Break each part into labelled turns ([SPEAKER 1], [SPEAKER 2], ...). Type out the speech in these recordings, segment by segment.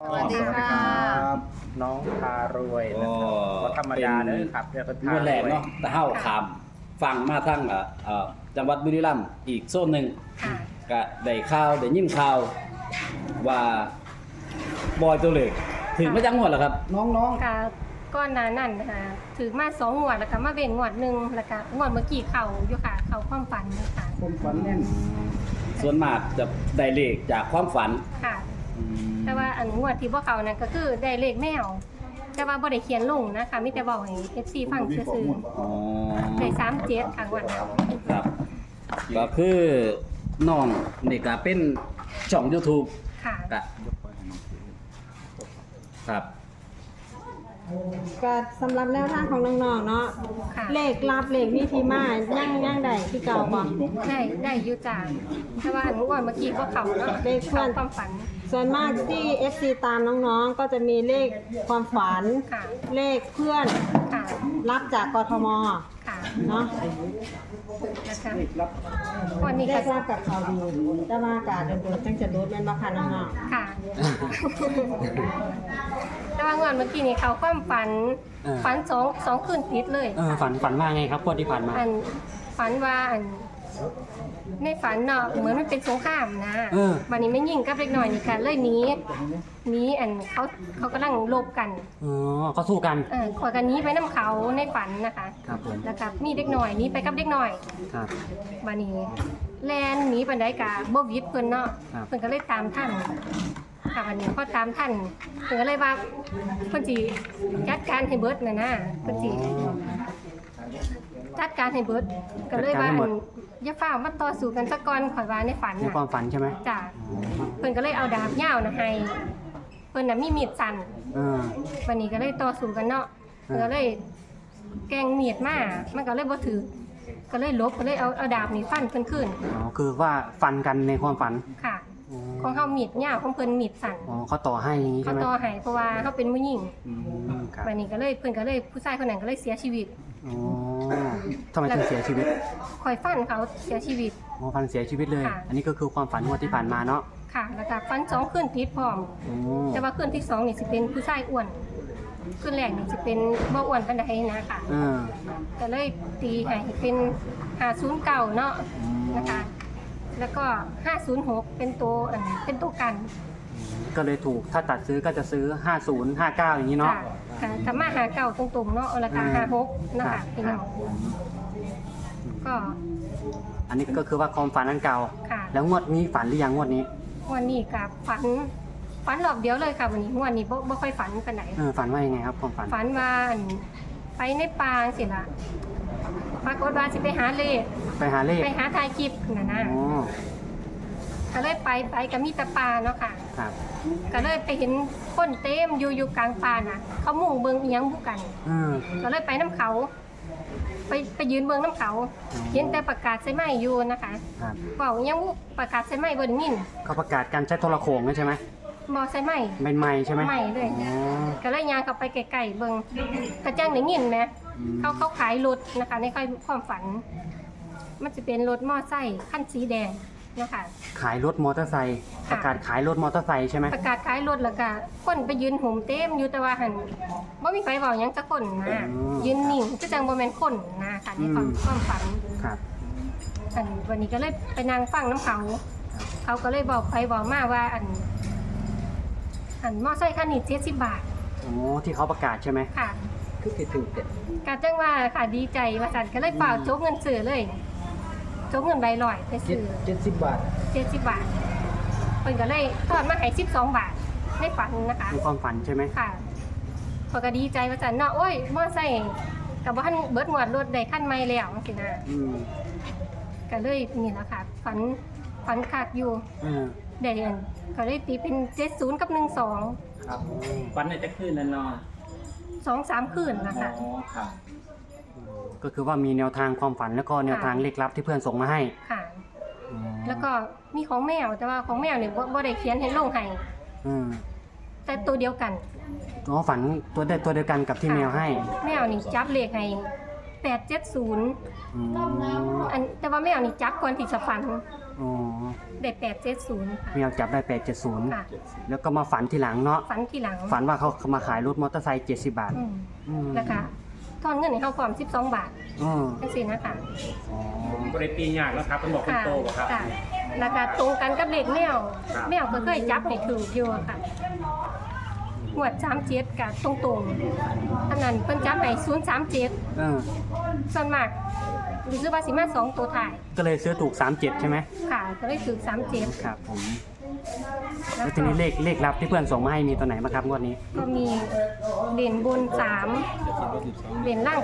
[SPEAKER 1] สวัสดีค่ะ
[SPEAKER 2] น้องพารวยนะครับก็ธรรมดาเลยครับเรียกเป็นพา
[SPEAKER 3] เมื่อ
[SPEAKER 2] ร
[SPEAKER 3] แรก
[SPEAKER 2] วย
[SPEAKER 3] เนาะตะเฮาขามฟังมาทั้งจังหวัดบุรีรัมย์อีกโซนหนึ่ง
[SPEAKER 1] ค่ะ
[SPEAKER 3] ก็ได้ข่าวได้ยินข่าวว่าบอยตัวเล็กถึงมาจังหวัดเหรอครับ น้อง
[SPEAKER 1] ค่ะก้อนหนานั่นนะคะถือมา2 งวดแล้วก็มาเว้นงวดหนึ่งแล้วก็งวดเมื่อกี้เขาอยู่ค่ะเขาความฝันค่ะ
[SPEAKER 2] คนฝันแน่น
[SPEAKER 3] ๆส่วนมากจะได้เลขจากความฝัน
[SPEAKER 1] ค่ะ
[SPEAKER 3] อืม
[SPEAKER 1] แต่ว่าอันงวดที่พวกเขานั่นก็คือได้เลขแมว แต่ว่าบ่ได้เขียนลงนะคะมีแต่บอกให้ FC ฟังซื่อ
[SPEAKER 3] อ๋อ
[SPEAKER 1] ๆได้37ค่ะงวดนั้น
[SPEAKER 3] ครับ ก็คือน้องนี่ก็เป็นช่อง YouTube
[SPEAKER 1] ค่ะ
[SPEAKER 3] ก็ครับ
[SPEAKER 4] ก็สำหรับแนวทางของน้องๆเนาะ
[SPEAKER 1] ค่ะ
[SPEAKER 4] เลขลับเลขวิธีมาย่างใดที่เก่าบ่
[SPEAKER 1] ได้อยู่จ้าแต่ว่าอันงวดเมื่อกี้พวกเขาเนาะ
[SPEAKER 4] เลขเพื่อน
[SPEAKER 1] ความฝัน
[SPEAKER 4] ส่วนมากที่ FC ตามน้องๆ ก็จะมีเลขความฝัน
[SPEAKER 1] ค่ะ
[SPEAKER 4] เลขเพื่อน
[SPEAKER 1] ค่ะ
[SPEAKER 4] รับจากกทม
[SPEAKER 1] ค่ะ
[SPEAKER 4] เนาะ
[SPEAKER 1] นะคะวันนี้
[SPEAKER 4] เล
[SPEAKER 1] ก็
[SPEAKER 4] ขรับกับเขาดีแต่ว่ากาโดนๆตั้งจะลดแม่นบ่คะน้อง
[SPEAKER 1] ค่ะ แต่ว่างอนเมื่อกี้นี่เขาความฝัน ฝันสองคืนติดเลย
[SPEAKER 5] ฝันว่าไงครับพวกที่ผ่านมา
[SPEAKER 1] อันฝันว่าอันในฝันเนาะเหมือนมันเป็นสงครามนะ วันนี้ไม่ยิงกับเล็กน้อยนี่กันเลยหนีอันเขากำลังลบกัน
[SPEAKER 5] อ๋อเขาสู้กัน
[SPEAKER 1] ขอกันหนี้ไปน้ำเขาในฝันนะคะ
[SPEAKER 5] ครับผม
[SPEAKER 1] แล้วกับมีเด็กน้อยหนี้ไปกับเด็กน้อย
[SPEAKER 5] ครับ
[SPEAKER 1] วันนี้แลนหนีปันไดกะบ่วิดเพิ่นเนาะ
[SPEAKER 5] ครับ
[SPEAKER 1] เพิ่นก็เลยตามท่านค่ะวันนี้พอตามท่านเพิ่นก็เลยว่าเพิ่นสิจัดการให้เบิดน่ะนะเพิ่นสิจัดการให้เบิดก็เลยว่าอันอย่าฟ้าวมาต่อสู้กันซะก่อนข่อยว่าในฝัน
[SPEAKER 5] ใน
[SPEAKER 1] น่ะ
[SPEAKER 5] ความฝันใช่ไหม
[SPEAKER 1] จ้ะเพิ่นก็เลยเอาดาบยาวน่ะให้เพิ่นน่ะมีมีดสั้น
[SPEAKER 5] เออ
[SPEAKER 1] วันนี้ก็เลยต่อสู้กันเนาะเพิ่นก็เลยแกล้งมีดมามันก็เลยบ่ถือก็เลยลบก็เลยเอาดาบนี่ฟันเพิ่นขึ้น
[SPEAKER 5] อ๋อคือว่าฟันกันในความฝัน
[SPEAKER 1] ค่ะ ของเฮามีดยาวของเพิ่นมีดสั้น
[SPEAKER 5] อ๋อเขาต่อให้อย่างนี้
[SPEAKER 1] เขา
[SPEAKER 5] ใช่ไหม
[SPEAKER 1] ต่อให้เพราะว่าเฮาเป็นผู้หญิง
[SPEAKER 5] อืมครับ
[SPEAKER 1] วันนี้ก็เลยเพิ่นก็เลยผู้ชายคนนั้นก็เลยเสียชีวิต
[SPEAKER 5] อ๋อทำไมถึงเสียชีวิต
[SPEAKER 1] คอยฟันเขาเสียชีวิต
[SPEAKER 5] อ๋อฟันเสียชีวิตเลย
[SPEAKER 1] ค่ะ
[SPEAKER 5] อันนี้ก็คือความฝันงวดที่ผ่านมาเนาะ
[SPEAKER 1] ค่ะ แล้วก็ฟัน2คืนติดพร้อม
[SPEAKER 5] โอ้
[SPEAKER 1] แต่ว่าคืนที่2นี่สิเป็นผู้ชายอ้วนคืนแรกนี่สิเป็นบ่อ้วนปานใดนะคะ
[SPEAKER 5] เออ
[SPEAKER 1] ก็เลยตีให้เป็น509เนาะนะคะ แล้วก็506เป็นตัวเป็นตัวกัน
[SPEAKER 5] ก็เลยถูกถ้าตัดซื้อก็จะซื้อ50 59อย่างนี้เนาะ
[SPEAKER 1] ค่ะค่ะถ้ามาหาเก่าตรงๆเนาะราคา56นะคะพี่น้องก็
[SPEAKER 5] อันนี้ก็คือว่าความฝันอันเก่า
[SPEAKER 1] ค่ะ
[SPEAKER 5] แล้วงวดนี้ฝันหรือยังงวดนี้
[SPEAKER 1] วันนี้กับฝันรอบเดียวเลยค่ะวันนี้วันนี้บ่ค่อยฝันปานไหน
[SPEAKER 5] ฝันว่ายังไงครับความฝัน
[SPEAKER 1] ฝันว่าไปในป่าสิล่ะปรากฏว่าสิไปหาเลข
[SPEAKER 5] ไปหาเลข
[SPEAKER 1] ไปหาถ่ายคลิปน่ะนะ
[SPEAKER 5] อ๋อ
[SPEAKER 1] ก็เลยไปก็มีแต่ป่าเนาะค่ะ
[SPEAKER 5] ครับ
[SPEAKER 1] ก็เลยไปเห็นคนเต็มอยู่กลางป่าน่ะ เขามุ่งเบิ่งอีหยังบุกัน
[SPEAKER 5] เออ
[SPEAKER 1] ก็เลยไปน้ำเขา ไปยืนเบิ่งน้ำเขา เห็นแต่ประกาศใส่ไม้อยู่นะคะ
[SPEAKER 5] ครับ
[SPEAKER 1] เว้าอีหยังบุประกาศใส่ไม้บ่ได้ยิน
[SPEAKER 5] เขาประกาศการใช้โทรโขงใช่ไหม
[SPEAKER 1] บ่ใส่ไม้
[SPEAKER 5] เป็นไม้ใช่ไหม
[SPEAKER 1] ไม้เลย
[SPEAKER 5] อ๋อ
[SPEAKER 1] ก็เลยย่างกลับไปไกลๆเบิ่งกระจังได้ยินไหม
[SPEAKER 5] อืม
[SPEAKER 1] เขาขายรถนะคะ ในความฝัน มันจะเป็นรถมอไซค์คันสีแดงนะคะ
[SPEAKER 5] ขายรถมอเตอร์ไซค์
[SPEAKER 1] ค่ะ
[SPEAKER 5] ประกาศขายรถมอเตอร์ไซค์ใช่ไหม
[SPEAKER 1] ประกาศขายรถแล้วก็คนไปยืนห่มเต็มอยู่แต่ว่าหันบ่มีไฟเว้าหยังจักคนนะยืนนิ่งคือจังบ่แม่นคนนะคะในความฝัน
[SPEAKER 5] ครับ
[SPEAKER 1] อันวันนี้ก็เลยไปนั่งฟังน้ำเขา เขาก็เลยบอกไปบอกมาว่าอันมอไซค์คันนี้70 บาท
[SPEAKER 5] โอ้ที่เขาประกาศใช่ไหม
[SPEAKER 1] ค่ะ
[SPEAKER 3] คือคิดถึงแต่
[SPEAKER 1] กาจังว่าค่ะดีใจว่าจันก็เลยเปล่าโจกเงินซื้อเลยโจกเงินใบลอยไปซื้อ
[SPEAKER 3] 70 บาท
[SPEAKER 1] 70 บาทเพิ่นก็เลยทอดมาให้12 บาทในฝันนะคะ
[SPEAKER 5] ในความฝันใช่ไหม
[SPEAKER 1] ค่ะเพิ่นก็ดีใจว่าจันเนาะโอ้ยมอไซค์กับว่าท่านเบิดหมวดรถได้ขั้นใหม่แล้วจังซี่นะ
[SPEAKER 5] อืม
[SPEAKER 1] ก็เลยนี่แหละค่ะฝันคักอยู่
[SPEAKER 5] เออ
[SPEAKER 1] ได้อันก็เลยตีเป็น70กับ12
[SPEAKER 3] ครับฝันในจะขึ้นแล้วเนาะ
[SPEAKER 1] 2-3 คืนนะคะ
[SPEAKER 3] ครับ
[SPEAKER 5] ก็คือว่ามีแนวทางความฝันแล้วก็แนวทางเลขลับที่เพื่อนส่งมาให้
[SPEAKER 1] ค่ะ
[SPEAKER 5] อ๋อ
[SPEAKER 1] แล้วก็มีของแมวแต่ว่าของแมวเนี่ยบ่ได้เขียนให้ลงให้
[SPEAKER 5] อืม
[SPEAKER 1] แต่ตัวเดียวกัน
[SPEAKER 5] อ๋อฝันตัวเดียวกันกับที่แมวให้
[SPEAKER 1] แมวนี่จับเลขให้870
[SPEAKER 5] อืม
[SPEAKER 1] อันแต่ว่าแมวนี่จับก่อนที่จะฝัน
[SPEAKER 5] อ๋อ
[SPEAKER 1] ได้870ค่ะ
[SPEAKER 5] แมวจับได้
[SPEAKER 1] ค่ะ
[SPEAKER 5] 870 แล้วก็มาฝันทีหลังเนาะ
[SPEAKER 1] ฝันทีหลัง
[SPEAKER 5] ฝันว่าเขามาขายรถมอเตอร์ไซค์70 บาท
[SPEAKER 1] อืม
[SPEAKER 5] อืม
[SPEAKER 1] แล้วก็ทอนเงินให้เขาพร้อม12 บาท
[SPEAKER 5] อ๋อ
[SPEAKER 1] จังซี่นะคะ
[SPEAKER 5] อ๋อ
[SPEAKER 2] บริตียากแล้วครับเป็นบอกคนโตบ่ครับ
[SPEAKER 1] ค่ะแล้วก็ตรงกันกับเลขแมว
[SPEAKER 2] ครับ
[SPEAKER 1] แมวก็เคยจับให้ถูกอยู่ค่ะงวด37กับตรงๆอันนั้นเพิ่นจับให้037
[SPEAKER 5] เออ
[SPEAKER 1] ส่วนมากรู้สึกว่าสิมา2ตัวถ่าย
[SPEAKER 5] ก็เลยซื้อถูก 37 ใช่ไหม
[SPEAKER 1] ค่ะก็เลยถูก37
[SPEAKER 5] ครับผม
[SPEAKER 1] แล้
[SPEAKER 5] แล้ว ว
[SPEAKER 1] ก็
[SPEAKER 5] ทีนี้เลขลับที่เพื่อนส่งมาให้มีตัวไหนบ้างครับงวดนี้
[SPEAKER 1] ก็มีเหรียญบน3เหรียญล่าง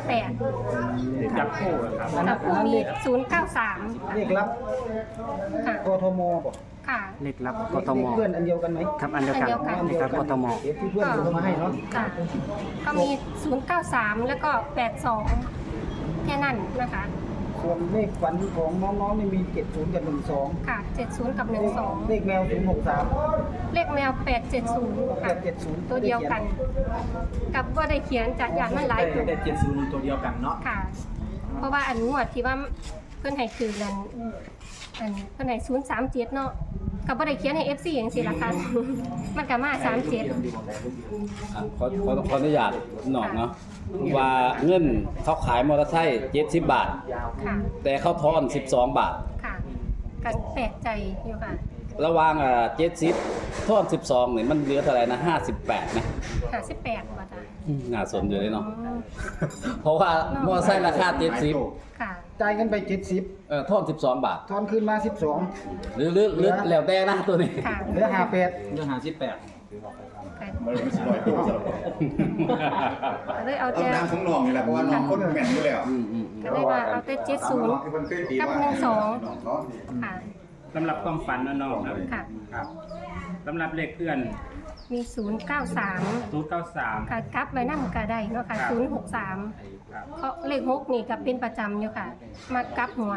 [SPEAKER 1] 8
[SPEAKER 2] จับคู่อะครับ
[SPEAKER 1] แล้วก็มี093
[SPEAKER 4] เลขลับ
[SPEAKER 1] ค่ะ
[SPEAKER 4] กทมบอก
[SPEAKER 1] ค่ะ
[SPEAKER 5] เลขลับกทม
[SPEAKER 4] เพื่อนอันเดียวกันไหม
[SPEAKER 5] ครับอันเดียวกัน
[SPEAKER 1] อันเดียวกัน
[SPEAKER 5] เลขลับกทม
[SPEAKER 4] เดี๋ยวที่เพื่อนส่งมาให้เนาะ
[SPEAKER 1] ค่ะก็มี093แล้วก็82แค่นั้นนะคะ
[SPEAKER 4] ส่วนเลขฝันของน้องๆนี่มี70กับ12
[SPEAKER 1] ค่ะ70กับ
[SPEAKER 4] เลขแมว063
[SPEAKER 1] 12เลขแมว870ค่ะ
[SPEAKER 4] 870
[SPEAKER 1] ตัวเดียวกัน กับว่าได้เขียนจากอย่างมันหลายตัว
[SPEAKER 2] ได้70ตัวเดียวกันเนาะ
[SPEAKER 1] ค่ะ เพราะว่าอันงวดที่ว่าเพื่อนให้คือนั้นอันเพื่อนให้037เนาะกับว่าได้เขียนให้ FC อย่างสิล่ะค่ะ มันก็มา37
[SPEAKER 3] อ่ะขออนุญาตหนองเนาะว่าเงินเขาขายมอเตอร์ไซค์70 บาท
[SPEAKER 1] ค่ะ
[SPEAKER 3] แต่เขาทอน12 บาท
[SPEAKER 1] ค่ะกันแปลกใจอยู่ค่ะ
[SPEAKER 3] ระหว่าง70ทอน12นี่มันเหลือเท่าไหร่นะ58นะ
[SPEAKER 1] 58ว่าจ้ะ
[SPEAKER 3] น่าสนอยู่เลย
[SPEAKER 1] อ๋อ
[SPEAKER 3] เนาะ เพราะว่ามอเตอร์ไซค์ราคา70
[SPEAKER 1] ค่ะ
[SPEAKER 4] จ่ายกันไป70
[SPEAKER 3] ทอน12 บาท
[SPEAKER 4] ทอนคืนมา12
[SPEAKER 3] หรือแล้วแต่นะตัวนี้
[SPEAKER 1] ค่ะ
[SPEAKER 4] เหลือ58
[SPEAKER 2] เรื่อง58
[SPEAKER 1] ค่ะ
[SPEAKER 6] มันเลยไม่ใช่ร้อยตัวสำหรับ
[SPEAKER 1] ก็เลยเอา
[SPEAKER 6] เอา
[SPEAKER 1] แต่
[SPEAKER 6] น้ำของน้องนี่แหละเพราะว่าน้องคนแม่นอยู่แล้ว
[SPEAKER 1] ก็เลยว่าเอาแต่70
[SPEAKER 6] ที่มันเคยตีว่า
[SPEAKER 1] กับ12
[SPEAKER 6] น้อง
[SPEAKER 1] ค่ะ
[SPEAKER 2] สำหรับความฝันนะน้องนะ
[SPEAKER 1] ค่ะ
[SPEAKER 2] ครับสำหรับเลขเพื่อน
[SPEAKER 1] มี 093
[SPEAKER 2] 093
[SPEAKER 1] ค่ะกลับไว้นำก็ได้เนาะค่ะ
[SPEAKER 2] ครับ
[SPEAKER 1] 063
[SPEAKER 2] ครับ
[SPEAKER 1] เพราะเลข6นี่ก็เป็นประจำอยู่ค่ะ มากลับหัว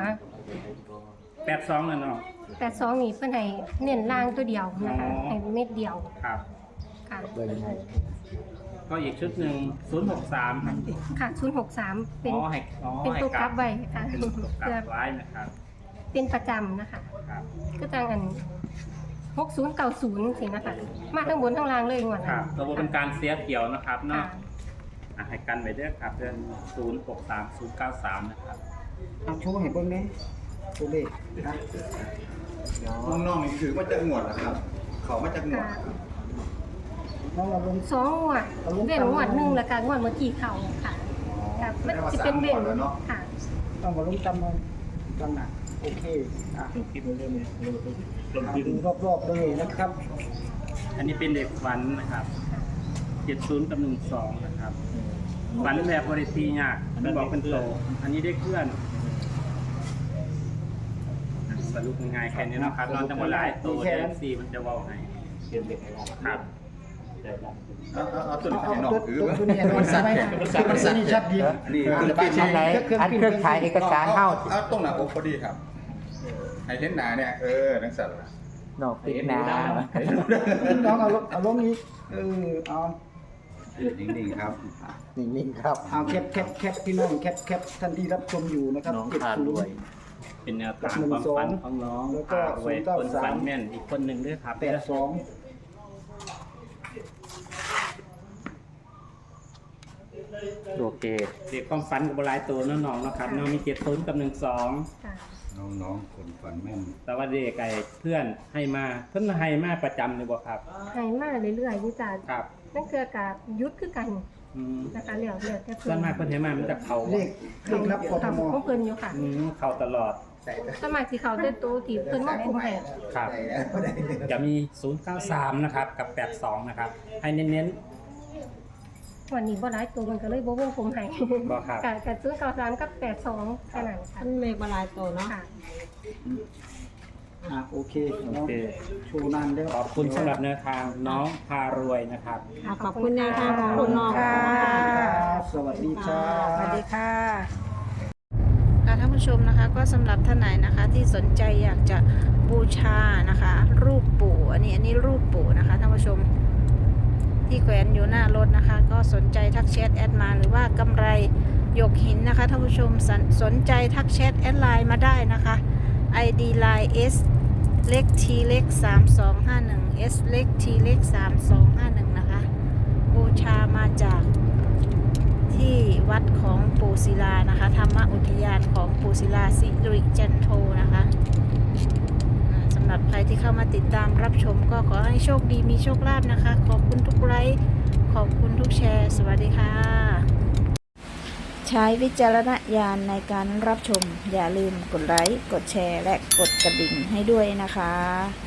[SPEAKER 2] 82นะน้อง
[SPEAKER 1] แต่2นี่เพิ่นให้เน้นล่างตัวเดียวนะคะ
[SPEAKER 2] อ๋อ
[SPEAKER 1] ให้เม็ดเดียว
[SPEAKER 2] ครับ
[SPEAKER 1] ค่ะ
[SPEAKER 2] ก็อีกชุดหนึ่ง063ครับ
[SPEAKER 1] ค่ะ063เป็น เป็น
[SPEAKER 2] ให้
[SPEAKER 1] ตัวกลับไว้ค่ะ
[SPEAKER 2] เป็นตัวกลั
[SPEAKER 1] เพื่อบ
[SPEAKER 2] ไว้นะครับ
[SPEAKER 1] เป็นประจำนะคะ
[SPEAKER 2] ครับ
[SPEAKER 1] ก็จังอัน6090สินะคะ มาทั้งบนทั้งล่างเลยงวด
[SPEAKER 2] ค
[SPEAKER 1] นั้
[SPEAKER 2] รั
[SPEAKER 1] น
[SPEAKER 2] บตัวเป็นการเสียเกี่ยวนะครับ
[SPEAKER 1] ค่ะ
[SPEAKER 2] เนาะให้กันไปเด้อครับเดือน063093นะครับ
[SPEAKER 4] เอาโชว์ให้เบิ่งแหน่ตัวเลขนะ
[SPEAKER 6] น้องๆนี่ถือว่าจะงวดนะครับ เขามาจากงวด
[SPEAKER 1] ค่ะ
[SPEAKER 4] น้องเราลง
[SPEAKER 1] สองงวดเว้นงวดหนึ่งแล้วก็งวดเมื่อกี้เขาค่ะค่ะมันจะเป็นเว้นค่ะ
[SPEAKER 4] ต้องมาลงจำนวนจำหนักโอเคอ่ะ
[SPEAKER 2] คิดเรื่องนี้
[SPEAKER 4] ดูรอบๆเลยนะครับ
[SPEAKER 2] อันนี้เป็นเด็กฝันนะครับ70กับ12นะครับฝันแบบบริตียากเป็นบอกเป็นโต อันนี้ได้เพื่อนสรุปง่ายๆแค่นี้เนาะครับเราจะมาหลายตัวเดฟซีมันจะเว่าให้ครับ
[SPEAKER 6] เอาตัวนี้ให้น้องถือ
[SPEAKER 4] ตัวนี้มันชัดไหมมันชัดดี
[SPEAKER 6] นี่คือ
[SPEAKER 4] ปี
[SPEAKER 6] ปี
[SPEAKER 4] ไหน
[SPEAKER 6] นี้
[SPEAKER 4] อันเครื่องถ่ายเอกสาร
[SPEAKER 6] เอาตรงหน้าอกพอดีครับ ให้เห็นหน้าเนี่ยนักสัตว์
[SPEAKER 7] ดอกปิดหนา
[SPEAKER 4] น้องเอาลงนี้เอา
[SPEAKER 6] นิ่งๆครับ
[SPEAKER 7] นิ่งๆครับ
[SPEAKER 4] เอาแคปพี่น้องแคปท่านที่รับชมอยู่นะครับ
[SPEAKER 7] น้อง
[SPEAKER 4] 70
[SPEAKER 7] ทานด้วย
[SPEAKER 2] เป็นแนวทางความฝันของน้อง
[SPEAKER 4] แล้วก็
[SPEAKER 2] ไว้คนฝันแม่นอีกคนหนึ่งด้วยครับ
[SPEAKER 4] 82
[SPEAKER 5] โอเค
[SPEAKER 2] เด็กความฝันกับหลายตัวน้องๆนะครับน้องมี70กับ12
[SPEAKER 1] ค่ะ
[SPEAKER 6] น้องๆคนฝันแม่น
[SPEAKER 2] แต่ว่าเด็กไก่เพื่อนให้มาเพื่อนให้มาประจำเลยบ่ครับ
[SPEAKER 1] ให้มาเรื่อยๆนี่จ้ะ
[SPEAKER 2] ครับ
[SPEAKER 1] นั่นคือกับยุทธคือกัน
[SPEAKER 2] อืม
[SPEAKER 1] นะคะเหลียวแต่
[SPEAKER 2] ส่วนมากเพื่อนให้มามันจะเขา
[SPEAKER 4] เลขรับกทม
[SPEAKER 1] ของเพิ่นอยู่ค่ะ
[SPEAKER 2] เขาตลอด
[SPEAKER 1] สวนมัครสิเขาได้ตัวที่เพิ่นมาคุมให้
[SPEAKER 2] ครับจะมี093นะครับกับ82นะครับให้เน้น
[SPEAKER 1] วันนี้บ่หลายตัวมันก็เลยบ่วงคุมให้
[SPEAKER 2] บ่ครับ
[SPEAKER 1] กับ093กับ82แค่นั้นค่ะ
[SPEAKER 4] ท่านเลขบาลายโตเนาะ
[SPEAKER 1] ค่ะ
[SPEAKER 4] โอเค
[SPEAKER 2] โอ
[SPEAKER 4] เนาะ
[SPEAKER 2] เค
[SPEAKER 4] โชว์นานแล้ว
[SPEAKER 2] ขอบคุณสำหรับแนวทางน้องพารวยนะครับ
[SPEAKER 4] ขอบคุณแนวทางของคุณน้องค่ะสวัสดีค่ะ
[SPEAKER 8] สวัสดีค่ะท่านผู้ชมนะคะก็สำหรับท่านไหนนะคะที่สนใจอยากจะบูชานะคะ รูปปู่อันนี้รูปปู่นะคะท่านผู้ชมที่แขวนอยู่หน้ารถนะคะ ก็สนใจทักแชทแอดมาหรือว่ากำไรหยกหินนะคะท่านผู้ชมสนใจทักแชทแอดไลน์มาได้นะคะ ID Line S เล็ก T เล็ก3251 S เล็ก T เล็ก3251นะคะบูชามาจากที่วัดของปู่ศิลานะคะธรรมอุทยานของปู่ศิลาสิริจันโทนะคะสำหรับใครที่เข้ามาติดตามรับชมก็ขอให้โชคดีมีโชคลาภนะคะขอบคุณทุกไลค์ขอบคุณทุกแชร์สวัสดีค่ะใช้วิจารณญาณในการรับชมอย่าลืมกดไลค์กดแชร์และกดกระดิ่งให้ด้วยนะคะ